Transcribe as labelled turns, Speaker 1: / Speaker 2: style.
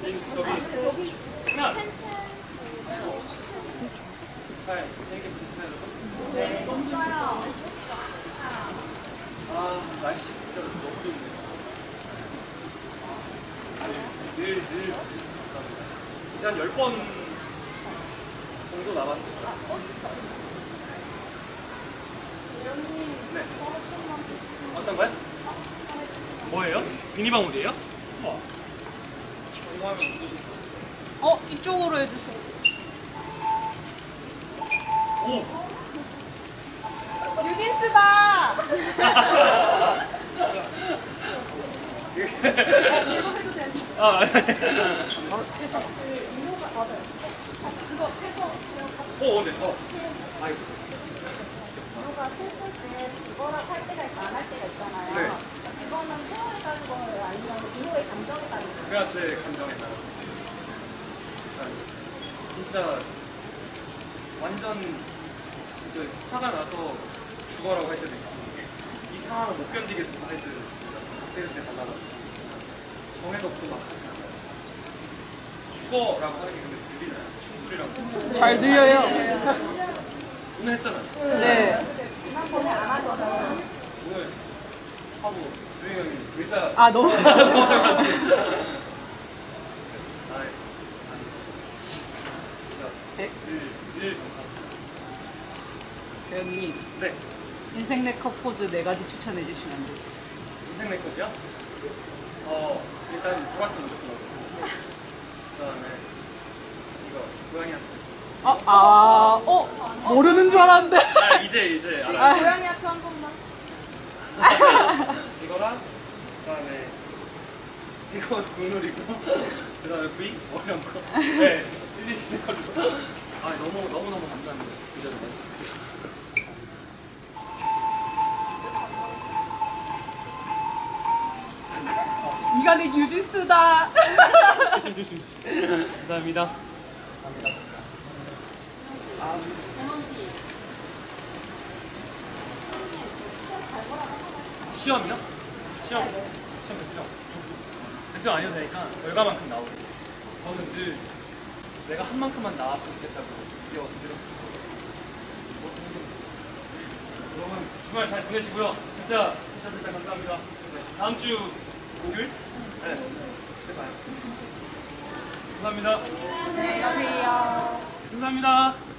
Speaker 1: 저기 하나. 잘 재밌게 보셨어요, 여러분?
Speaker 2: 네, 재밌어요.
Speaker 1: 아, 날씨 진짜 너무 좋네요. 늘 감사합니다. 이제 한 10번 정도 남았습니다. 네. 어떤 거요? 뭐예요? 미니방울이에요? 우와. 이거 하면 어떠실까요?
Speaker 2: 이쪽으로 해주세요.
Speaker 1: 오!
Speaker 2: 뉴진스다!
Speaker 1: 아, 오, 네. 아이고.
Speaker 3: 이거가 셀 때 그거랑 할 때가 있고 안 할 때가 있잖아요.
Speaker 1: 네.
Speaker 3: 이거는 태워에 따른 거예요? 아니면 이거의 감정에 따른 거예요?
Speaker 1: 그가 제 감정에 따라서. 진짜 완전 진짜 화가 나서 죽어라고 할 때도 있고 이 상황을 못 견디겠어서 할 때도 그때 달라가지고 정해놓고 막 하지 않아요. 죽어라고 하는 게 근데 들리나요? 총소리랑
Speaker 2: 잘 들려요.
Speaker 1: 오늘 했잖아요.
Speaker 2: 네.
Speaker 3: 지난번에 안 하셨어요.
Speaker 1: 오늘 하고 조용히 형이 의자
Speaker 2: 아, 너무
Speaker 1: 넘어져가지고
Speaker 2: 네.
Speaker 1: 일
Speaker 2: 배우님,
Speaker 1: 네.
Speaker 2: 인생 네컷 포즈 4가지 추천해 주시면 안 돼요?
Speaker 1: 인생 내 것이요? 일단 노랗게 먼저 골라보고 그다음에 이거 고양이한테
Speaker 2: 모르는 줄 알았는데.
Speaker 1: 이제 알아요.
Speaker 3: 고양이 앞에 한 번만.
Speaker 1: 이거랑 그다음에 이거 국룰이고 그다음에 V 어려운 거 네, 1, 2 스티커로 너무 감사합니다. 기자를 만나주셔서
Speaker 2: 네가 내 뉴진스다.
Speaker 1: 조심 감사합니다. 시험이요? 시험 100점. 100점 아니어도 되니까 결과만큼 나오고 저는 늘 내가 한 만큼만 나왔으면 좋겠다고 드렸었어요. 여러분 주말 잘 보내시고요. 진짜 감사합니다. 네, 다음 주 목요일? 네. 봐요. 감사합니다.
Speaker 2: 안녕히 가세요.
Speaker 1: 감사합니다.